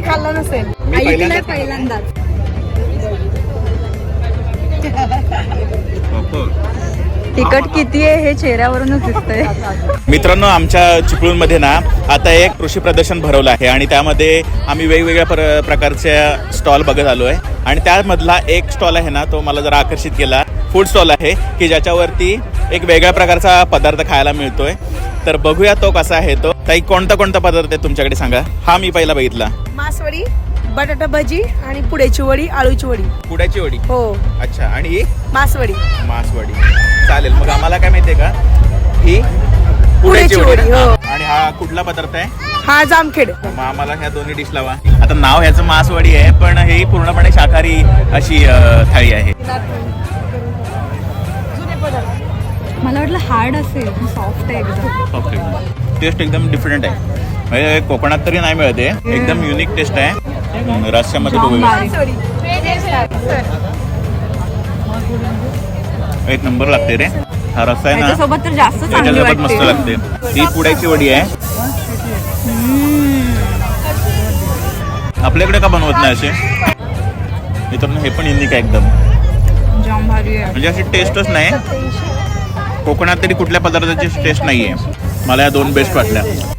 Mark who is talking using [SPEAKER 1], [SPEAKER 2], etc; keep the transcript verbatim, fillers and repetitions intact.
[SPEAKER 1] खाल्ला नसेल.
[SPEAKER 2] ऐकलंय पहिल्यांदाच. तिखट किती आहे हे चेहऱ्यावरूनच दिसतंय.
[SPEAKER 3] मित्रांनो, आमच्या चिपळूणमध्ये ना आता एक कृषी प्रदर्शन भरवलं आहे आणि त्यामध्ये आम्ही वेगवेगळ्या प्र प्रकारच्या स्टॉल बघत आलो आहे आणि त्यामधला एक स्टॉल आहे ना तो मला जरा आकर्षित केला. फूड स्टॉल आहे की ज्याच्यावरती एक वेगळ्या प्रकारचा पदार्थ खायला मिळतोय. तर बघूया तो कसा आहे. तो ताई, कोणता कोणता पदार्थ आहे तुमच्याकडे सांगा. हा मी पहिला बघितला.
[SPEAKER 1] मासवडी, बटाटा भजी आणि पुड्याची वडी, आळूची वडी.
[SPEAKER 3] पुड्याची वडी.
[SPEAKER 1] हो.
[SPEAKER 3] अच्छा. आणि ही
[SPEAKER 1] मासवडी.
[SPEAKER 3] मासवडी. चालेल. मग आम्हाला काय माहितीये का, ही
[SPEAKER 1] पुड्याची वडी. हो.
[SPEAKER 3] आणि हा कुठला पदार्थ आहे?
[SPEAKER 1] हा जामखेड.
[SPEAKER 3] मग आम्हाला ह्या दोन्ही डिश लावा. आता नाव ह्याचं मासवडी आहे पण ही पूर्णपणे शाकाहारी अशी थाळी आहे.
[SPEAKER 2] मला वाटलं हार्ड असेल, सॉफ्ट आहे एकदम.
[SPEAKER 3] ओके. टेस्ट एकदम डिफरंट आहे. म्हणजे कोकणात तरी नाही मिळते. एकदम युनिक टेस्ट आहे. रस्स्यामध्ये बघूया. एक नंबर लागते रे. हा रस्सा आहे ना,
[SPEAKER 2] त्याच्यासोबत तर जास्त चांगली
[SPEAKER 3] त्याच्यासोबत मस्त
[SPEAKER 2] वाटते.
[SPEAKER 3] लागते. ही पुड्याची वडी आहे. आपल्याकडे का बनवत नाही असे? मित्रांनो, हे पण युनिक आहे एकदम.
[SPEAKER 2] जाम भारी आहे.
[SPEAKER 3] म्हणजे अशी टेस्टच नाही. कोकणात तरी कुठल्या पदार्थाची टेस्ट नाही आहे. मला या दोन बेस्ट वाटल्या.